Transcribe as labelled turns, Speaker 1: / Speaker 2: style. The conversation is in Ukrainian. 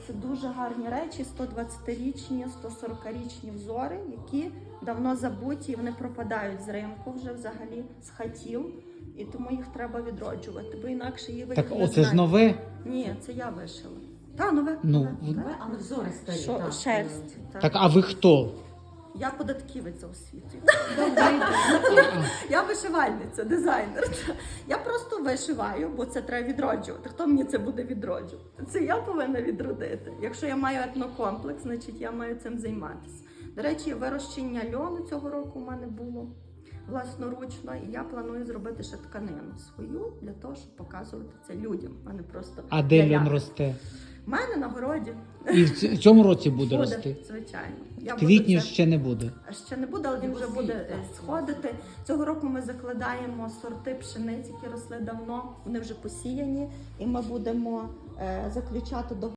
Speaker 1: це дуже гарні речі, 120-річні, 140-річні взори, які давно забуті, і вони пропадають з ринку вже взагалі, з хатів. І тому їх треба відроджувати, бо інакше її ви
Speaker 2: Так
Speaker 1: їх не
Speaker 2: оце
Speaker 1: знаєте.
Speaker 2: ж нове?
Speaker 1: Ні, це я вишила. Та, нове.
Speaker 2: Ну,
Speaker 1: нове.
Speaker 3: Але взори старі.
Speaker 1: Що,
Speaker 3: так.
Speaker 1: шерсть. Так.
Speaker 2: Так, а ви хто?
Speaker 1: Я податківець за освітою. Я вишивальниця, дизайнер. Я просто вишиваю, бо це треба відроджувати. Хто мені це буде відроджувати? Це я повинна відродити. Якщо я маю етнокомплекс, значить я маю цим займатися. До речі, вирощення льону цього року у мене було власноручно, і я планую зробити ще тканину свою для того, щоб показувати це людям, а не просто
Speaker 2: А де
Speaker 1: для
Speaker 2: льон
Speaker 1: ляпу.
Speaker 2: росте?
Speaker 1: У мене на городі.
Speaker 2: І в цьому році буде рости?
Speaker 1: Звичайно.
Speaker 2: В квітні ще не буде.
Speaker 1: Ще не буде, але він вже буде сходити. Цього року ми закладаємо сорти пшениць, які росли давно, вони вже посіяні, і ми будемо заключати договори